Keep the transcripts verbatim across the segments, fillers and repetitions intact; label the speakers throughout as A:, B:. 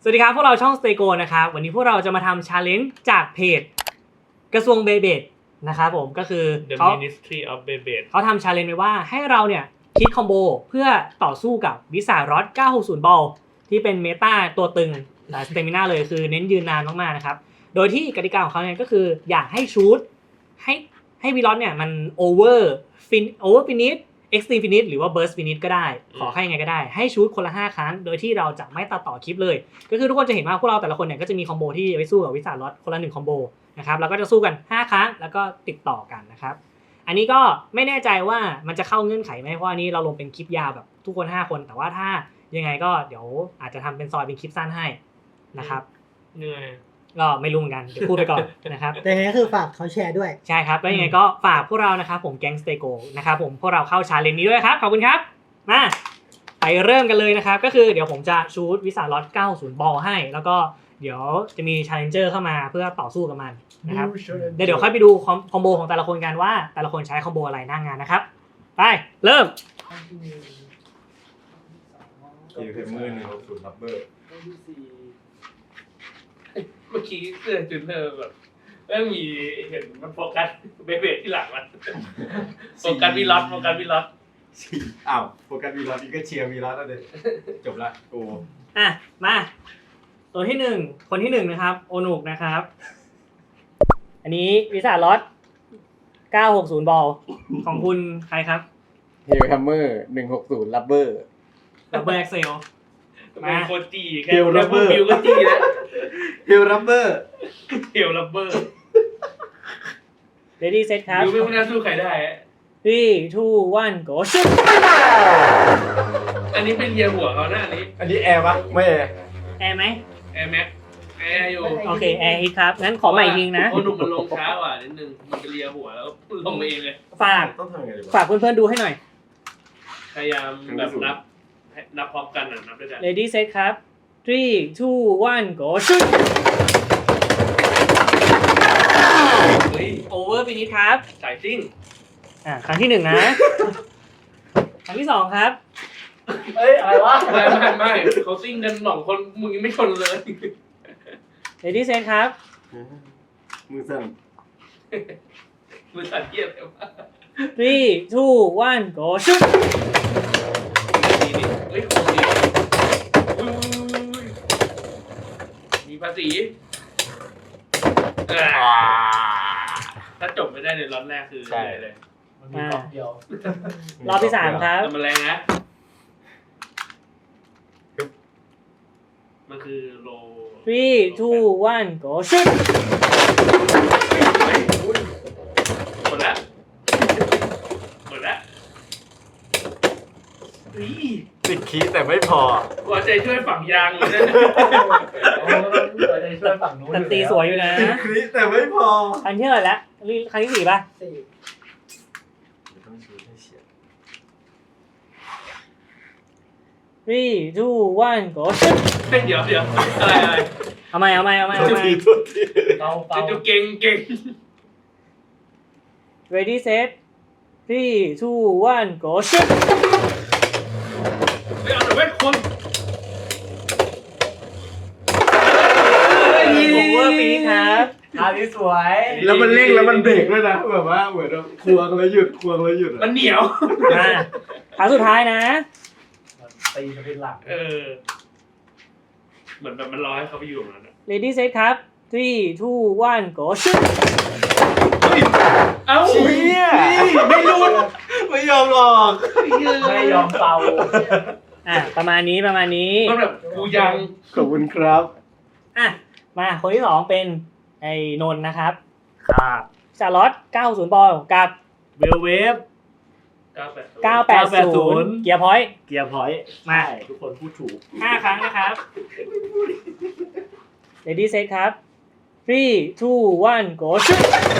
A: สวัสดีครับพวกเราช่อง Stay Go นะครับวันนี้พวกเราจะมาทำ challenge จากเพจกระทรวงเบเบดนะครับผมก็คือ
B: The
A: เขา
B: Ministry of Beyblade
A: เขาทำ challenge ไว้ว่าให้เราเนี่ยคิดคอมโบเพื่อต่อสู้กับวิสารอดเก้าหกศูนย์ บอลที่เป็นเมตาตัวตึงหลายสเตมิน่าเลยคือเน้นยืนนานมากๆนะครับโดยที่กติกาของเขาเนี่ยก็คืออยากให้ชูตให้ให้วีลอสเนี่ยมันโอเวอร์ฟินโอเวอร์ฟินิชเอ็กซ์ตรีมฟินิชหรือว่าเบิร์สฟินิชก็ได้ขอให้ยังไงก็ได้ให้ชูตคนละห้าครั้งโดยที่เราจะไม่ตัดต่อคลิปเลยก็คือทุกคนจะเห็นว่าพวกเราแต่ละคนเนี่ยก็จะมีคอมโบที่ไว้สู้กับวิสารอดคนละหนึ่งคอมโบนะครับแล้วก็จะสู้กันห้าครั้งแล้วก็ติดต่อกันนะครับอันนี้ก็ไม่แน่ใจว่ามันจะเข้าเงื่อนไขไหมเพราะอันนี้เราลงเป็นคลิปยาวแบบทุกคนห้าคนแต่ว่าถ้ายังไงก็เดี๋ยวอาจจะทำเป็นซอยเป็นคลิปสั้นให้นะครับ
B: เหนื่อย
A: ก็ไม่รู้เหมือนกันเดี๋ยวพูดไปก่อนนะครับ
C: แต่ยังไงก็คือฝากเขาแชร์ด้วย
A: ใช่ครับแล้วยังไงก็ฝากพวกเรานะครับผมแก๊งสเตโกนะครับผมพวกเราเข้าชาเลนจ์นี้ด้วยครับขอบคุณครับมาไปเริ่มกันเลยนะครับก็คือเดี๋ยวผมจะชูตวิสารอดเก้าสิบบอลให้แล้วก็เดี๋ยวจะมีชาเลนเจอร์เข้ามาเพื่อต่อสู้กับมันนะครับเดี๋ยวเดี๋ยวค่อยไปดูคอมโบของแต่ละคนกันว่าแต่ละคนใช้คอมโบอะไรหน้างงานนะครับไปเริ่ม
D: เอฟเอ็มเมอร์หนึ่งหกศูนย์รับเบอร์
B: เมื่อกี้เสื้อจุนเนอร์แบบเริ่มมีเห็นมันโฟกัสเบเบดที่หลังมันโฟกัสวีล็อตโฟกัสวีล็อต
D: สี่อ้าวโฟกัสวีลอสนี่ก็เชียร์วีลอสแล้วเด็จบละโอ้
A: อ่ะมาตัวที่หนึ่งคนที่หนึ่งนะครับโอนุกนะครับอันนี้วิสารอดเก้าหกศูนย์บอลของคุณใครครับ
E: เฮลแฮมเมอร์หนึ่งหกศูนย์ลับเบอร์
A: ดับเบิลเอ็กเซล
B: เป็นโคจีแค่แค่พูดบิวก็จีแล้ว
D: เฮลรับเบอร์
B: เฮลลับเบอร์
A: เรดี้เซตครับ
B: บิวไม่น่าสู้ใครได้
A: three two one go shoot
B: อันนี้เป็นเยียหัวเขานะอันนี้
D: อันนี้แอร์ปะไม่แอร์
A: แอร์ไหม
B: แอร์แม็กแอร์อยู่
A: โอเคแอร์ฮิตครับงั้นขอใหม่อีกทีนะ
B: โอ้หนุ่มมันลงช้ากว่านิดนึงมันเป็นเลียหัวแล้วลงไปเองเลย
A: ฝาก
D: ต้องทำยังไงดีวะ
A: ฝากเพื่อนๆดูให้หน่อย
B: พยายามแบบนับนับพร้อมกันอ่ะนับด้วยกัน
A: ready set ครับ three two one go shoot
B: เฮ้ย
A: over finish ครับ
B: สายซิ่ง
A: อ่าครั้งที่หนึ่งนะ ครั้งที่สองครับ
C: เอ้ย อะไรวะ
B: ไม่ไม่ไม่เขาซิ่งกันสองคนมึงยังไม่ชนเลย
A: ready set ครับ
D: มือสั่น
B: มือสั่นเทียบเลยว่า
A: three two one go shoot
B: ดีนี่เฮ้ยของดีอุ้ยมีภาษีถ้าจบไม่ได้ในล็อตแรกคือเลย
C: มันมีกล่องเดียว
A: รอบที่สามครับ
B: แต่มันแรงนะมันคือโล
A: three two one go shoot
B: หมดละหมดละอี
D: ติดคีย์แต่ไม่พอ
B: หัวใจช่วยฝังยางเลยนะ
C: เราจะช่วยฝั่งนู้น
A: แต่ตีสวยอยู่นะ
D: ติดคีย์แต่ไม่พอ
A: ครั้งที่เท่าไหร่แล้วครั้งที่สี่ป่ะ
C: สี่
D: ต้องชูให้เฉียด
A: three two one go shoot
B: เฮ้ยเดี๋ยวเดี๋ยวอะไรอะไร
A: เอาใหม่เอาใหม่เอาใหม่เอาใหม่
D: ทีทุกที
C: เบาเบา
B: จะดูเก่งเก่ง
A: ready set three two one go shoot
B: ไม่เอาหน่อยเว้ยคน
A: over finish ครับ
C: อันนี้สวย
D: แล้วมันเร่งแล้วมันเบรกด้วยนะแบบว่าเหมือนแบบควงแล้วหยุดควงแล้วหยุด
B: มันเหนียว
A: มาครั้งสุดท้ายนะ
C: ตีจะเป็นหลัก
B: เออเหมือนแบบมันรอให้เขาไปอยู่ตรงนั้นอะ
A: ready set ครับ three two one go shoot
B: เอ้า
D: เชี่ยไม่รุนไม่ยอมหรอก
C: ไม่ยอมเป่า
A: อ่ะประมาณนี้ประมาณนี้
B: มันแบบกูยัง
D: ขอบคุณครับ
A: อ่ะมาคนที่สองเป็นไอ้นนท์นะครับครับชาร์ลอตเก้าศูนย์บอลกับ
F: เวลเวฟ
B: เก้าแปด
A: เก้าแปดศูนย์เกียร์พอยต์
F: เกียร์พอยต์
A: มา
F: ทุกคนพูดถูก
A: ห้าครั้งนะครับ ready set ครับ three two one go shoot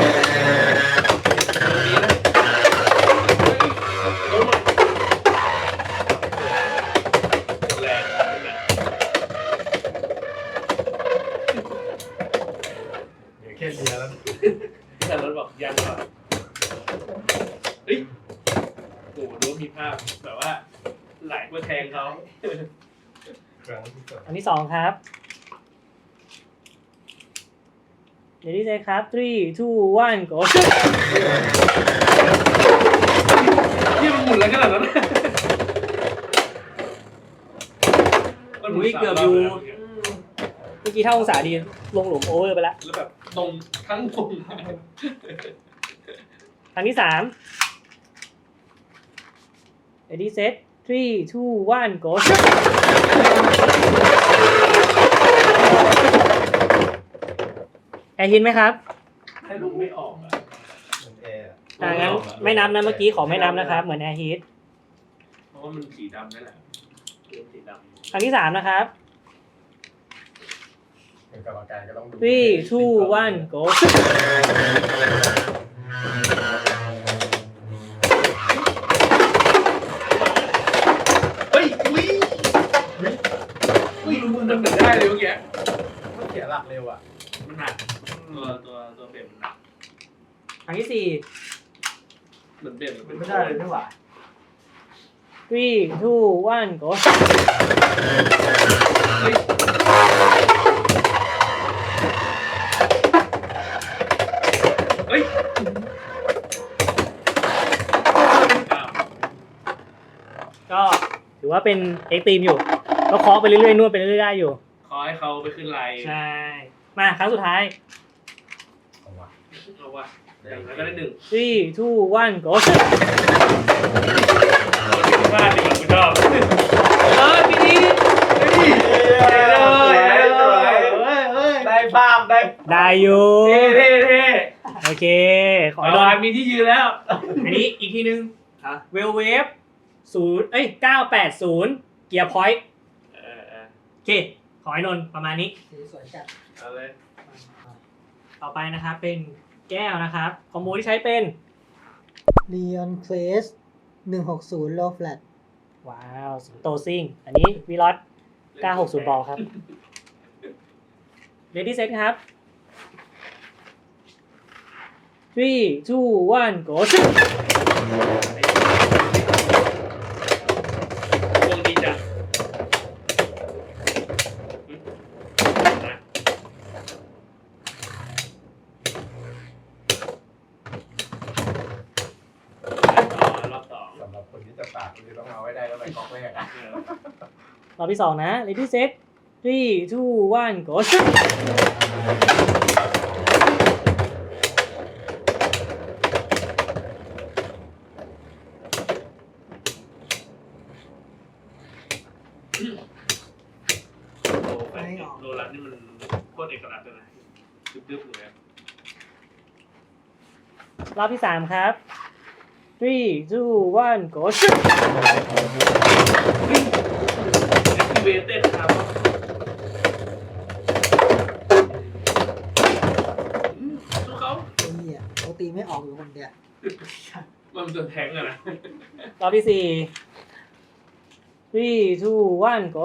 B: แรงนะ
D: เดี๋ยวแค่เชียร์แล้ว
B: แต่รถบอกยังก่อนเฮ้ยโอ้โหดูมีภาพแบบว่าไหลมาแทงเขา
D: ครั้งที่สอง
A: อันที่สองครับ ready set ครับ three two one go
B: ที่มันหมุนอะไรขนาดนั้นมันหมุน
A: อุ้ย
B: สาม
A: เกือบ
B: ร
A: อยู่
B: แล้ว
A: เมื่อกี้เท่าองศาดีลงหลุมโอเวอร์ไปแล้ว
B: แล้วแบบตรงทั้งวง
A: ครั้งที่สาม ready set three two one go แอร์ฮินไหมครับ
B: ให้ลูกไม่ออกอะ
D: มันแอร์
A: อ่างั้นไม่นับนะเมื่อกี้ขอไม่นับนะครับ เหมือนแอร์ฮิต
B: เพราะว่ามันสีดำนั่นแหละเกมสีดำ
A: ครั้งที่สามนะครับ
D: เป็นกรรมการก็ต้องดู
A: three two one go
B: เฮ้ยอุ้ยอุ้ยรู้มึงมันเหมือนได้เลยเมื่อกี้
D: มันเสียหลักเร็วอ่ะ
B: มันหนักตัวตัวตัวเปลี่ยนมันหนัก
A: ครั้งที่สี่
B: เหมือนเปลี่ยนมันเป็น
C: ไม่ได้เลยไม่หว่า
A: three two one go
B: เฮ้ยเฮ้ยอ้าว
A: ก็ถือว่าเป็นเอ็กซ์ตรีมอยู่ ก็เคาะไปเรื่อยๆนวดไปเรื่อยๆได้อยู่
B: ขอให้เขาไปขึ้นไลน์
A: ใช่ มาครั้งสุดท้าย
D: เอาวะ
B: เอาวะอย่างนั้นก็ได้หนึ่ง
A: three two one go
B: พลาดดีกว่ากูชอบเออทีนี้เฮ้ย
C: ได้ภาพได้
A: ได้อยู่
B: เท่เท่เท่
A: โอเค ขอ
B: ขอ
A: ให้โดน
B: มีที่ยืนแล้ว
A: อันนี้อีกทีนึงเวลเวฟศูนย์เอ้ยเก้าแปดศูนย์เกียร์พอยต์
B: เออเออ
A: โอเค ขอให้นนท์ประมาณนี้
C: สวยจัด
B: เอาเลย
A: ต่อไปนะครับเป็นแก้วนะครับ คอมโบที่ใช้เป็น
G: ลีออนเคลสหนึ่งหกศูนย์โลแฟลต
A: ว้าว สิงโตซิ่ง อันนี้วิลอตเก้าหกศูนย์บอลครับ Ready set ครับ three two one go
B: วงดีจ้ะรอบสอง
D: สำหรับคนที่จะปากคุณจะต้องเอาไว้ได้แล้วไปก๊อกแรกอ่ะ
A: รอบที่สองนะ Ready set three two one go
B: โลแปดสิบโลลันนี่มันโคตรเอกลักษณ์เลยนะดึ๊บๆเลย
A: รอบที่สามครับ three two one go
B: แอคทีเวเต็ดครับสู้เขา
G: ไอ้เหี้ยเขาตีไม่ออกอยู่คนเดียว
B: มันเป็นตัวแทงอะนะ
A: รอบที่สี่ three two one go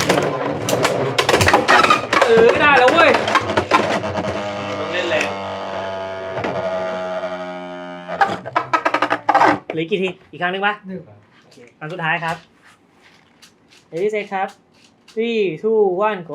A: เออไม่ได้แล้วเว้ย
B: ต้องเล่นแรง
A: เหลือกี่ที อีกครั้งหนึงปะ
G: หนึ่ง
A: โอเคครั้งสุดท้ายครับ Ready set ครับ three two one go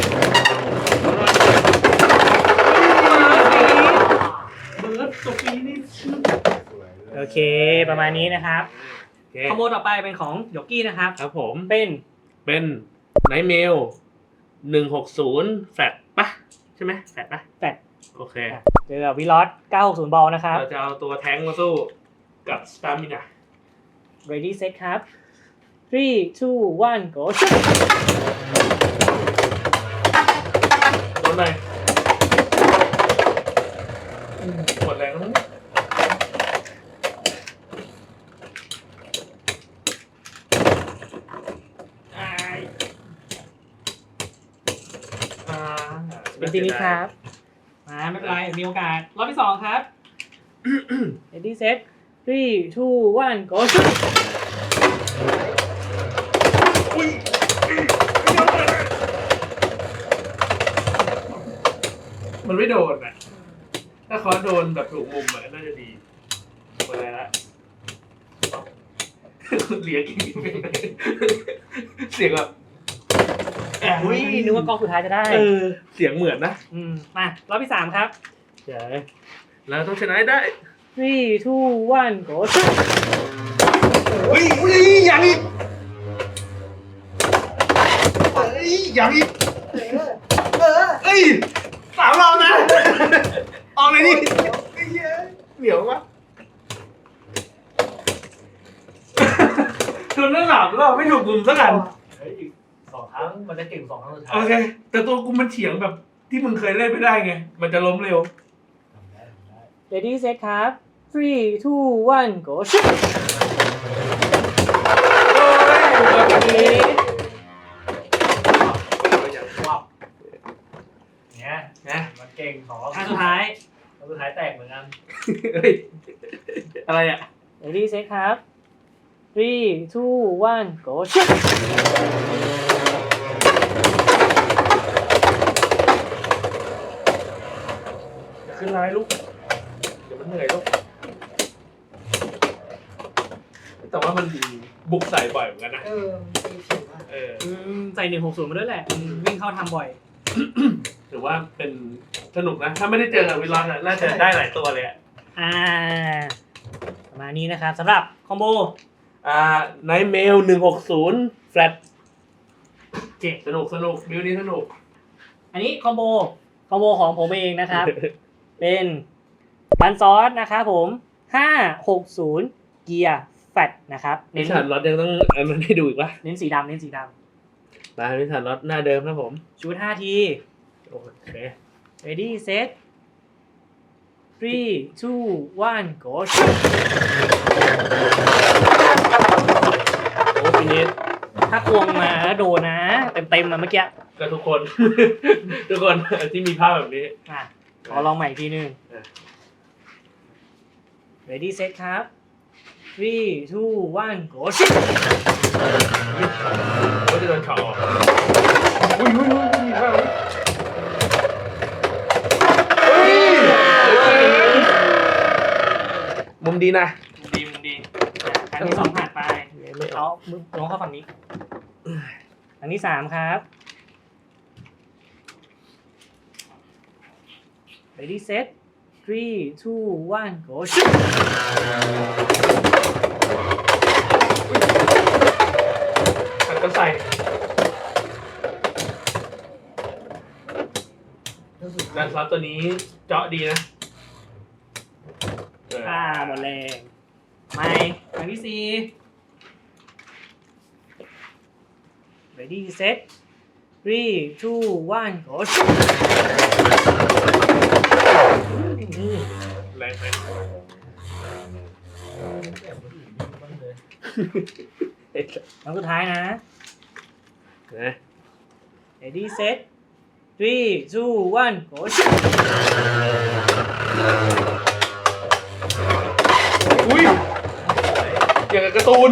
B: เบิร์ดตัวปีนี่
D: สวยเลย
A: โอเค ประมาณนี้นะครับคอมโบต่อไปเป็นของยกกี้นะครับ
B: ครับผม
A: เป็น
B: เป็นไนท์เมลหนึ่งหกศูนย์แฟลตปะใช่ไหมแฟลตปะ
A: แฟลต
B: โอเค
A: เจอกับวิลอตเก้าหกศูนย์บอลนะครับ
B: เราจะเอาตัวแท้งมาสู้กับสตาร์มินา
A: Ready set ครับ three two one go
B: โดนไหนหมดแรงแล้วมั้งอ้ายอ่า
A: เป็นทีนี้ครับ มาไม่เป็นไร มีโอกาส รอบที่สองครับ Ready set three two one go
B: อุ้ยมันไม่โดนอ่ะ ถ้าเขาโดนแบบถูกมุมอ่ะน่าจะดีหมดแล้วเหลียกินเสียงแบบ
A: อุ้ยนึกว่ากองสุดท้ายจะได้
B: เออเสียงเหมือนนะ
A: อืมมารอบที่สามครับ
B: เดี๋ยวเราต้องชนะให้ได้
A: three two one go
D: อุ้ยอุ้ยยังอีกเอ้ยยังอีกเอ้ยสามรอบนะออกเลยดิไอ้เหี้ยเหนียวมาก
B: จนนั่งหลับแล้วไม่ถูกกลุ่มสักอัน
C: เฮ้ยอีกสองครั้งมันจะเก่งสองครั้งสุดท้าย
B: โอเค แต่ตัวกูมันเฉียงแบบที่มึงเคยเล่นไม่ได้ไง มันจะล้มเร็ว
C: ทำได้ทำได้
A: ready set ครับ three two one go
C: เนี่ย
B: นะ
C: มันเก่งสองรอบ
A: อันสุดท้าย
C: รอบสุดท้ายแตกเหมือนกัน
B: เฮ้ย อะไรอ่ะ
A: ready set ครับ three two one go
B: อย่าขึ้นไลน์ลูก เดี๋ยวมันเหนื่อยลูก แต่ว่ามันบุกใส่บ่อยเหมือนกันนะ
G: เออตีผิวมาก
B: เออ
A: อืมใส่หนึ่งหกศูนย์มาด้วยแหละอืมวิ่งเข้าทำบ่อย
B: ถือว่าเป็นสนุกนะ ถ้าไม่ได้เจอกับวิลลอนอะน่าจะได้หลายตัวเลยอะ
A: อ่าประมาณนี้นะครับสำหรับคอมโบ
B: อ่าไนท์เมลหนึ่งหกศูนย์แฟลต
A: เจ็ด
B: สนุกสนุกบิวนี้สนุก
A: อันนี้คอมโบคอมโบของผมเองนะครับ เป็นบันซอสนะครับผมห้าหกศูนย์เกียร์แฟตนะครับ
B: นิ
A: เน้น
B: สสันรถยังต้องอันนั้นให้ดูอีกปะ
A: เน้นสีดำเน้นสีด
B: มานิสสันรถหน้าเดิมนะผม
A: ำชุดห้าที
B: โอเค
A: ready set three two one go
B: โอ้ปีนี้
A: ถ้าควงมาแล้วโดนนะ เต็มเต็มๆมาเมื่อกี้
B: ก็ทุกคน ทุกคนที่มีภาพแบบนี้
A: อ่ะขอลองใหม่อีกทีหนึง
B: อ่ะ
A: ready set ครับ three two one go
B: ก็จะโดนเฉาะออกอุ้ยอุ้ยอุ้ยมีภาพมุมดีนะ
A: ดีมุมดีอันที่สองผ่านไป
B: ไม่อ
A: เอา
B: อก
A: มือลงเข้าฝั่งนี้ อันที่สามครับ ready set three two one go
B: หันก็ใส่
G: แล้วสุด
B: ด้านซับตัวนี้เจาะดีนะเออ
A: อ่าหมดแรงไม่อันที่สี่ ready set three two one go
B: แรงไหม
C: แบบคนอื่นนี่บ้างเลย
A: ครั้งสุดท้ายนะ
B: นะ
A: ready set three two one go
B: อุ้ยอย่างกับการ์ตูน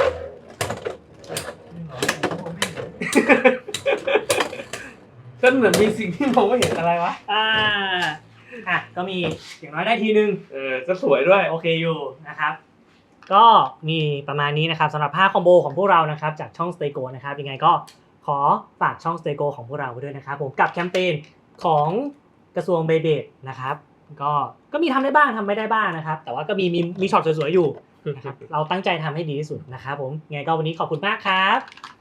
B: ก็เหมือนมีสิ่งที่มองไม่เห็นอะไรวะ
A: อ่าอ่ะก็มีอย่างน้อยได้ทีนึง
B: เออ ก็สวยด้วย
A: โอเคอยู่นะครับ ก็มีประมาณนี้นะครับสำหรับห้าคอมโบของพวกเรานะครับจากช่อง Stay Go นะครับยังไงก็ขอฝากช่อง Stay Go ของพวกเราไว้ด้วยนะครับผมกับแคมเปญของกระทรวงเบเบดนะครับก็ก็มีทำได้บ้างทำไม่ได้บ้างนะครับ แต่ว่าก็มีมีมีช็อตสวยๆอยู่นะครับเราตั้งใจทำให้ดีที่สุดนะครับผมยังไงก็วันนี้ขอบคุณมากครับ